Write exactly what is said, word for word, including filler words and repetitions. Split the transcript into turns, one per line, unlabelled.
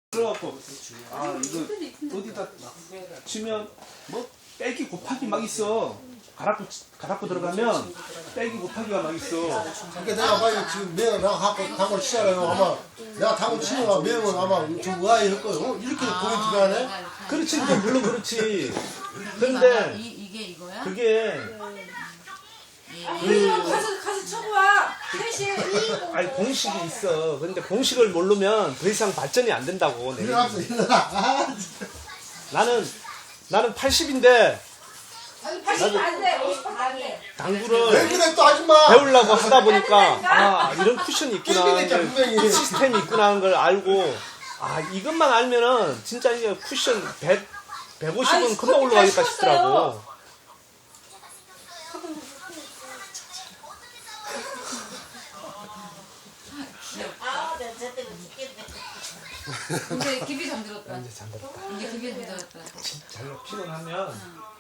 그래갖고 아 이거 어디다 치면 뭐 빼기 곱하기 막 있어. 갈아고 갈아고 들어가면 빼기 곱하기가 막 있어.
그러니까 내가 봐요 지금 매형을 갖고 당을 치잖아요. 아마 내가 당을 치면 매형은 아마 좀 의아해할 거예요. 어? 이렇게 고민 들어가네?
그렇지, 그게 물론 그렇지.
이,
그런데
이게 이거야?
그게
그 가서 가서 쳐봐. 셋이.
아니 공식이 있어. 근데 공식을 모르면 더 이상 발전이 안 된다고. 내
일어났어 일어나. 아,
나는 나는 팔십인데
아니 팔십 안 돼. 오십밖에 안 돼.
왜
당구를
그래 또 아줌마.
배우려고 하다 보니까 아 이런 쿠션이 있구나,
게임이니까 분명히.
시스템이 있구나 하는 걸 알고 아 이것만 알면은 진짜 이게 쿠션 백 백오십은
아니,
금방 올라가겠다
스쿼트
싶더라고.
아, 내가 쟤 때문에 죽겠네.
근데 깊이 잠들었다.
이제 잠들었다.
이제 깊이 잠들었다.
잘 피곤하면